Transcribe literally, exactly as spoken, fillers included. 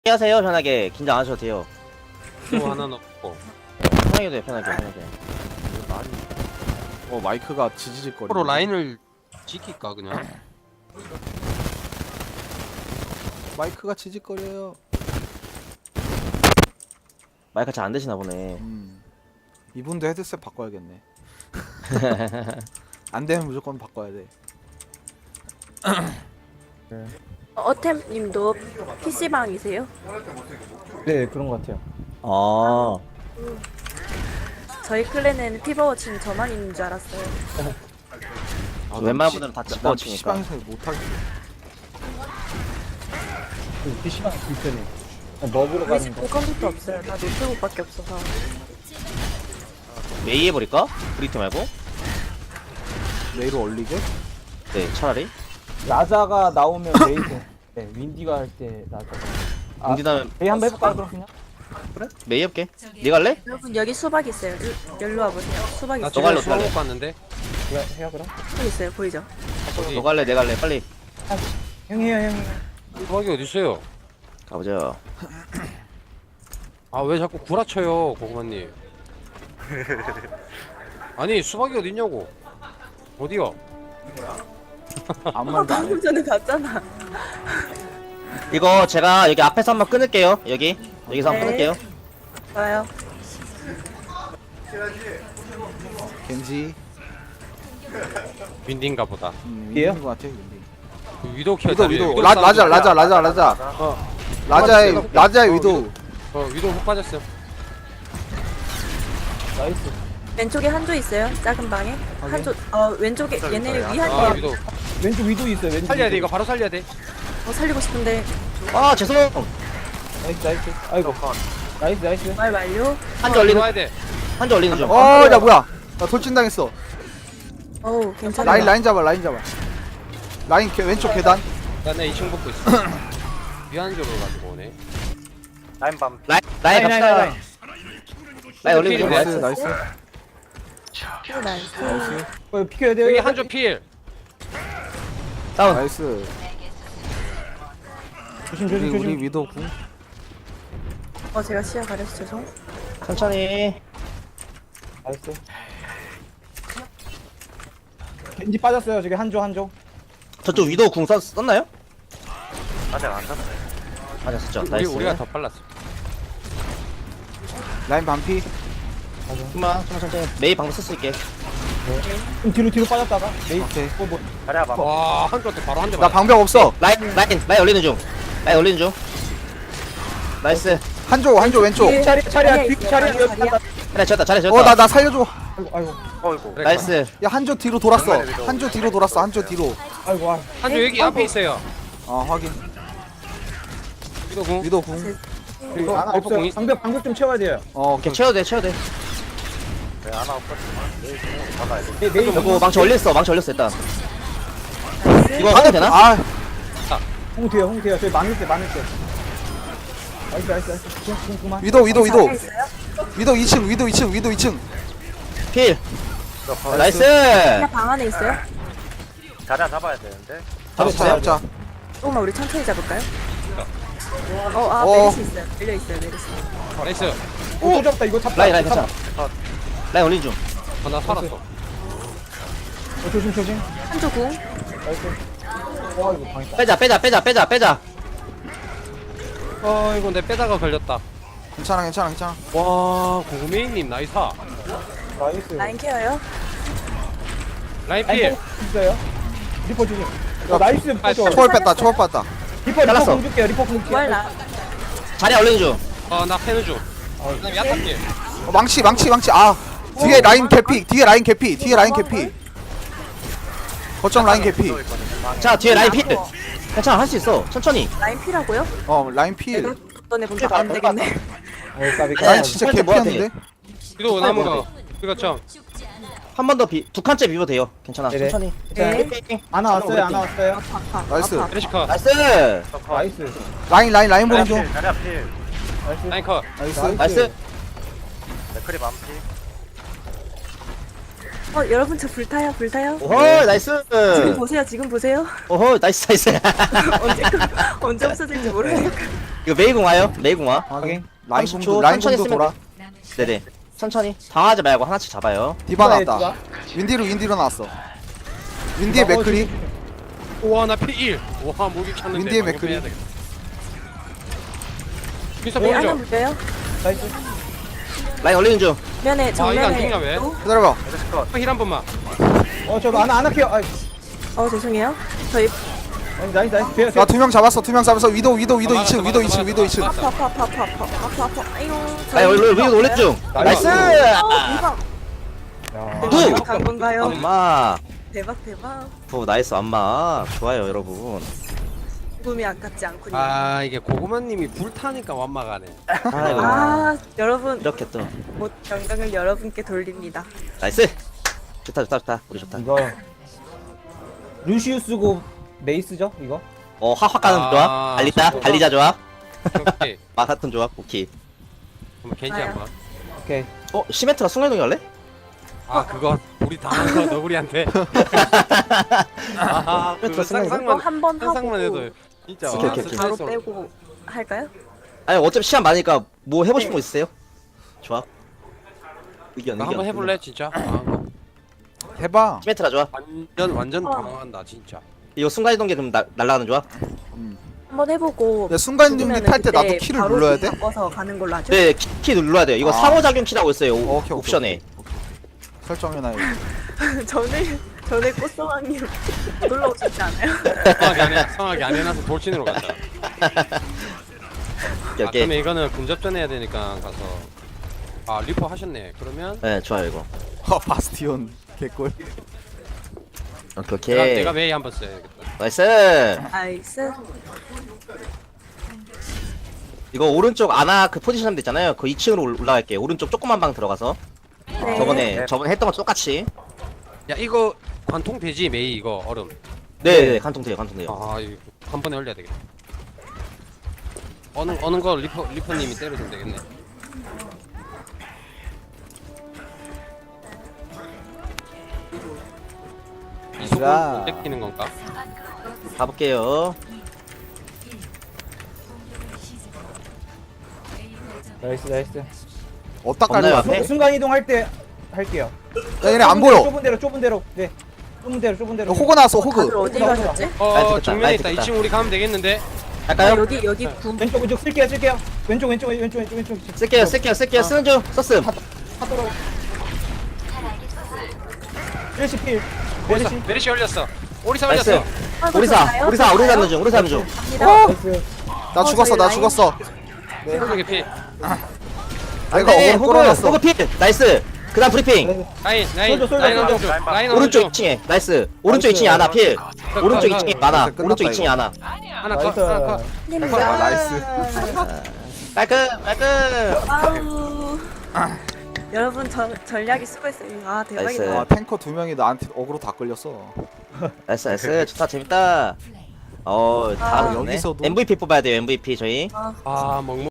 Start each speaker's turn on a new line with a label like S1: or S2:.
S1: 하세요. 편하게 긴장 안 하셔도 돼요.
S2: 또 하나 넣고
S1: 편하게 돼요. 편하게 편하게.
S3: 어 마이크가 지지직거려.
S2: 프로 라인을 지킬까 그냥.
S3: 마이크가 지직거려요.
S1: 마이크 잘 안 되시나 보네.
S3: 음. 이분도 헤드셋 바꿔야겠네. 안 되면 무조건 바꿔야 돼.
S4: 어템님도 피시방이세요?
S5: 네, 그런 것 같아요.
S1: 아,
S4: 저희 클랜에는 피버워치는 저만 있는 줄 알았어요.
S3: 아,
S1: 웬만한 분들은 다
S3: 난
S1: 집어치니까.
S3: 피시방에서 못하겠어.
S5: 그 피시방 불편해. 먹으러
S4: 우리
S5: 가는
S4: 집도
S5: 거.
S4: 컴퓨터 없어요. 다 노트북밖에 없어서.
S1: 메이 해버릴까? 브리트 말고?
S3: 내일 올리게?
S1: 네, 차라리.
S5: 라자가 나오면 메이드. 네, 윈디가 할 때 라자. 아,
S1: 인디나면
S5: 메이 한번 해볼까요, 그럼 그냥?
S1: 그래? 메이 해볼게. 네 갈래?
S4: 여러분 여기 수박 있어요. 일- 여기로 와보세요. 수박
S2: 나
S4: 있어요.
S2: 지금
S1: 너갈래,
S2: 수학
S1: 너갈래.
S2: 못 갔는데.
S5: 제가 해요, 그럼?
S4: 수박 있어요. 보이죠?
S2: 어디?
S1: 너 갈래? 네 갈래? 빨리
S5: 형이 해요, 형이.
S2: 수학이 어디 있어요?
S1: 가보자.
S2: 아 왜 자꾸 구라쳐요 고구마님. 아니 수박이 어디 있냐고. 어디요?
S3: 아무
S4: 아,
S3: 말도 안 해.
S4: 방금 전에 봤잖아.
S1: 이거 제가 여기 앞에서 한번 끊을게요. 여기 여기서 한번
S4: 네.
S1: 끊을게요.
S4: 좋아요.
S3: 겐지.
S2: 윈디인가 보다.
S3: 음,
S5: 얘요?
S3: 윈디인 것 같아. 윈디.
S2: 그 위도 키워.
S3: 위도 위도. 라 라자 라자 라자 라자.
S2: 어,
S3: 라자의 라자의 위도.
S2: 어 위도 훅 빠졌어요.
S5: 나이스.
S4: 왼쪽에 한조 있어요. 작은 방에. 한조. 어 왼쪽에 얘네
S2: 아
S4: 위한조.
S2: 위도.
S5: 왼쪽 위도 있어요, 왼쪽.
S2: 살려야 돼
S5: 위도.
S2: 이거 바로 살려야 돼.
S4: 어 살리고 싶은데
S1: 아, 죄송.
S5: 나이스, 나이스. 아이고. 나이스, 나이스.
S4: 말 완료.
S1: 한줄 올리는
S2: 와야 돼.
S1: 한줄 올리는 중.
S3: 어, 야 뭐야? 나 돌진 당했어.
S4: 어우 괜찮아.
S3: 라인 라인 잡아 라인 잡아. 라인 개, 왼쪽 계단.
S2: 나는 이 층 먹고 있어. 위안조를 가지고 오네.
S1: 라인 밤. 라인 라인
S5: 라인,
S1: 갑시다.
S5: 라인,
S1: 라인 올리는 중.
S3: 나이스 나이스.
S4: 나이스.
S5: 어, 피켜야 돼요.
S2: 여기 한조 필.
S1: 다운.
S3: 나이스.
S5: 조심,
S3: 우리
S5: 조심,
S3: 우리
S5: 조심.
S3: 위도 궁.
S4: 어 제가 시야 가려서 죄송.
S1: 천천히.
S5: 나이스. 겐지 빠졌어요, 저기 한조, 한조.
S1: 저쪽 위도 궁 썼, 썼나요?
S6: 아직 안 샀어요.
S1: 맞았었죠.
S2: 우리
S1: 나이스.
S2: 우리가 더 빨랐어.
S3: 라인 반피.
S1: 좀만 좀만 천천히. 메이 방금 쓸게.
S5: 좀 뒤로, 뒤로 빠졌다가. 메이.
S3: 오케이.
S5: 어, 뭐.
S6: 자리야 봐.
S2: 와 한조한테 바로 한 대
S3: 나
S2: 맞.
S3: 방벽 없어.
S1: 라인 라인 라인 올리는 중. 라인 올리는 중. 나이스.
S3: 한조 한조 왼쪽.
S4: 뒤에
S5: 차리, 차리야,
S4: 자리야
S5: 뒤,
S4: 있어요.
S5: 차리야.
S4: 자리야,
S5: 여기
S4: 자리야.
S1: 잘해 쳤다 잘해 쳤다.
S3: 어 나 나 살려줘.
S5: 아이고, 아이고.
S6: 어이구.
S2: 그래,
S1: 나이스.
S3: 야 한조 뒤로 돌았어. 한조 뒤로 돌았어. 한조 뒤로.
S5: 아이고, 아.
S2: 한조 여기 앞에 있어요.
S3: 어 확인.
S2: 위도 궁.
S3: 위도 궁.
S5: 이거
S2: 아,
S5: 없어요.
S2: 공이-
S5: 방벽, 방벽 좀 채워야 돼요.
S3: 어
S1: 오케이 채워도 돼 채워도 돼.
S6: 네, 하나 없었지만 내일 좀 받아야 돼.
S5: 메이, 메이.
S1: 이거 망치 올렸어 망치 올렸어 일단. 이거
S3: 아,
S1: 하면 되나?
S3: 아
S5: 홍 돼요, 홍 돼요. 저희 많을 때, 많을 때. 나이스, 나이스, 나이스. 좀, 좀, 그만.
S3: 위도 위도 위도.
S4: 자리야 있어요?
S3: 위도 이 층 위도 이 층 위도 이 층.
S1: 필. 나이스.
S4: 그냥 방 안에 있어요?
S6: 자리야 잡아야 되는데.
S3: 잡자 잡자.
S4: 조금만 우리 천천히 잡을까요? 어, 아,
S3: 어.
S4: 메리시 있어요. 열려 있어요, 메리시.
S2: 나이스.
S5: 오, 또 잡았다. 이거 잡다.
S1: 라인 라인
S5: 잡다.
S1: 괜찮아. 라인 올리는 중.
S2: 아, 나 살았어.
S5: 어, 조심, 조심.
S4: 한조 궁.
S5: 나이스. 와, 이거 방했다.
S1: 빼자 빼자 빼자 빼자 빼자.
S2: 어 이거 내 빼다가 걸렸다.
S3: 괜찮아 괜찮아 괜찮아.
S2: 와 고구메이님 나이사.
S5: 나이스.
S4: 라인 케어요.
S2: 라인
S5: 라인
S2: 필.
S5: 있어요. 리퍼 조심. 어, 나이스. 리퍼
S2: 아,
S5: 줘.
S3: 초월 뺐다 초월 뺐다.
S5: 리퍼, 리퍼
S1: 잘랐어.
S5: 공 줄게요. 리퍼 공 줄게요.
S4: 부활 나.
S1: 자리에 올리는 중.
S2: 어나 패는 중. 그다음에 약간 필.
S3: 어, 망치 망치 망치. 아 뒤에 라인 개피. 뒤에 라인 개피. 뒤에 라인 개피. 거점 라인 개피.
S1: 자 뒤에 라인 필. 괜찮아 할 수 있어. 천천히.
S4: 라인 피라고요?
S3: 어 라인 필.
S4: 내가 던에 본안 되겠네.
S5: 어, 까비, 까비.
S3: 라인 진짜
S1: 펄트 뭐야,
S3: 개피였는데.
S2: 위도 남은 거. 이거 참.
S1: 한 번 더 두 칸째 비벼도 돼요. 괜찮아.
S5: 네네.
S1: 천천히.
S4: 네.
S5: 안 왔어요, 안 왔어요.
S4: 아파.
S3: 나이스.
S4: 아파.
S2: 에레시카.
S1: 나이스.
S5: 나이스.
S3: 라인 라인 라인 보는 중.
S6: 자리야 필.
S5: 나이스.
S2: 라인 컷.
S3: 나이스.
S1: 나이스.
S6: 맥크리 만피.
S4: 어, 여러분 저 불타요, 불타요.
S1: 오호 나이스.
S4: 지금 보세요, 지금 보세요.
S1: 오호 나이스 나이스.
S4: 언제 언제 없어질지 모르니까.
S1: 이거 메이공 와요 메이공 와
S5: 확인.
S3: 라인
S1: 삼십
S3: 공도
S1: 초
S3: 라인
S1: 천천히
S3: 공도
S1: 쓰면
S3: 돌아.
S1: 네네 천천히 당하지 말고 하나씩 잡아요
S3: 디바
S5: 디바에
S3: 나왔다. 윈디로 윈디로 나왔어. 윈디의
S5: 디바
S3: 맥크리.
S2: 우와 나 피 일. 우와 무기 쳤는데.
S3: 윈디의
S2: 방금
S3: 맥크리.
S2: 빼야 되겠다. 미스터
S4: 네, 하나
S2: 보여줘.
S4: 물려요.
S5: 나이스.
S1: 라인 올리는 중
S4: 면에
S2: 아 이거 안
S4: 정면에
S2: 죽냐 왜?
S4: 또?
S3: 기다려봐.
S2: 힐한 번만.
S5: 어, 저 안, 안 할게요. 아이,
S4: 어 죄송해요. 저희
S5: 아니, 나이스, 나이스. 돼요,
S3: 나
S5: 돼요.
S3: 두 명 잡았어. 두 명 잡았어. 위도 위도 위도
S2: 아,
S3: 이 층.
S2: 막았어,
S3: 위도 이
S2: 막았어,
S3: 층. 위도 이 층.
S4: 아파 아파 아파 아파 아파 아파 아파. 아이고.
S1: 라인 올리 올리 올린 중 나이스
S4: 어 대박.
S5: 야.
S1: 후!
S4: 간 건가요?
S1: 엄마
S4: 대박 대박.
S1: 부 나이스 엄마 좋아요 여러분
S4: 죽음이 아깝지 않군요.
S2: 아 이게 고구마님이 불타니까 완막하네.
S1: 아이고
S4: 아 여러분
S1: 이렇게 또
S4: 못 영광을 여러분께 돌립니다.
S1: 나이스 좋다 좋다 좋다 우리 좋다
S5: 이거. 루시우스고 메이스죠, 이거?
S1: 어 화확 가는
S2: 아,
S1: 조합 달리다
S2: 좋다.
S1: 달리자 조합
S2: 오케이.
S1: 마사톤 조합 오케이
S2: 한번 겐지
S4: 아야.
S2: 한번.
S5: 오케이.
S1: 어 시멘트가 순간이동이 할래?
S2: 아 그거 우리 당한 거 너구리한테. 아 그거
S1: 저 생각이
S4: 이거
S2: 상상만
S4: 한 번 하고
S2: 상상만 해도 진짜
S1: 오케이,
S2: 와,
S1: 오케이, 오케이.
S4: 바로
S2: 스트레스
S4: 빼고 할까요?
S1: 아니 어차피 시간 많으니까 뭐 해보고 싶은
S4: 네.
S1: 거 있으세요? 조합 의견
S2: 나
S1: 의견
S2: 한번 해볼래 진짜? 아,
S3: 해봐.
S1: 시멘트라 조합
S2: 완전 완전
S4: 어.
S2: 당황한다 진짜.
S1: 이거 순간이동기 그럼 나, 날아가는 조합?
S4: 한번 해보고.
S3: 야, 순간이동
S4: 죽으면은
S3: 탈 때 나도
S4: 그때
S3: 키를
S4: 바로
S3: 눌러야
S4: 키
S3: 돼?
S4: 바꿔서 가는 걸로 하죠.
S1: 네 키, 키 눌러야 돼요 이거
S3: 아.
S1: 상호작용 키라고 있어요 오,
S3: 어, 오케이, 오케이,
S1: 옵션에
S3: 오케이. 설정해놔.
S4: 전에 전에 꽃소왕님 놀러 오셨지 않아요?
S2: 성하게 안 해, 성하게 안 해놔서 돌진으로 간다.
S1: 오케이
S2: 아,
S1: 오케이
S2: 그러면 이거는 근접전 해야 되니까 가서. 아 리퍼 하셨네. 그러면
S1: 네 좋아요 이거
S3: 어, 바스티온 개꿀.
S1: 오케이
S2: 내가
S1: 오케이
S2: 내가 메이 한번 써야겠다.
S1: 나이스
S4: 나이스.
S1: 이거 오른쪽 아나 그 포지션 있잖아요 그 이 층으로 올- 올라갈게요 오른쪽 조그만 방 들어가서
S4: 네.
S1: 저번에 저번에 했던 거 똑같이
S2: 야 이거 관통 되지 메이 이거 얼음.
S1: 네네 간통돼요 간통돼요
S2: 아 이거 한 번에 올려야 되겠다. 어느 어느 거 리퍼 리퍼님이 때려주면 되겠네. 이 속을
S3: 자.
S2: 못 뺏기는 건가?
S1: 가볼게요
S5: 나이스, 나이스.
S3: 어디다
S1: 없나요,
S3: 깔려?
S1: 앞에?
S5: 순간 이동할 때 할게요.
S3: 야, 얘네 안
S5: 좁은 대로,
S3: 보여.
S5: 좁은 대로, 좁은 대로. 네. 좁은 대로, 좁은 대로.
S3: 호그 나왔어.
S4: 다들
S3: 호그.
S4: 어디 가셨지?
S2: 어
S1: 나이스 됐다,
S2: 정면에
S1: 나이스
S2: 있다.
S1: 됐다.
S2: 이 층 우리 가면 되겠는데?
S4: 아,
S1: 할까요?
S4: 여기 여기 구
S5: 왼쪽, 왼쪽 쓸게요, 쓸게요. 왼쪽, 왼쪽, 왼쪽, 왼쪽, 왼쪽.
S1: 쓸게요 쓸게요 쓸게요 쓰는 중 썼음
S5: 메르시 필.
S2: 메리시
S5: 메르시.
S2: 메리시 올렸어. 오리사
S1: 나이스
S2: 올렸어.
S1: 오리사 오리사 오리사 하는 중 오리사 하는 중
S5: 나이스.
S3: 나
S4: 어,
S3: 죽었어.
S4: 저희
S3: 나
S4: 라인.
S3: 죽었어.
S2: 오른쪽에 피.
S3: 내가
S1: 안돼
S3: 어그로
S1: 호그
S3: 끌어냈어.
S1: 호그 핏 나이스 그 다음 브리핑
S5: 나이스.
S2: 라인 라인
S5: 쏠져, 쏠져,
S2: 라인
S5: 쏠져.
S2: 언중 라인
S1: 오른쪽
S2: 언중
S1: 이 층에 나이스 오른쪽
S5: 나이스.
S1: 이 층에 하나 필 오른쪽 이 층에 많아
S3: 끝났다,
S1: 오른쪽 이
S3: 이거.
S1: 층에 하나
S2: 하나 컷 하나 컷.
S4: 힘내자.
S3: 아, 나이스.
S1: 깔끔 깔끔
S4: 아우. 여러분 전 전략이 수고했어요. 아
S1: 나이스.
S4: 대박이다.
S3: 아, 탱커 두 명이 나한테 어그로 다 끌렸어.
S1: 나이스 나이스 좋다 재밌다 어
S4: 아,
S1: 다음
S3: 여기서도?
S1: 엠브이피 뽑아야 돼요 엠브이피 저희
S2: 아 먹먹.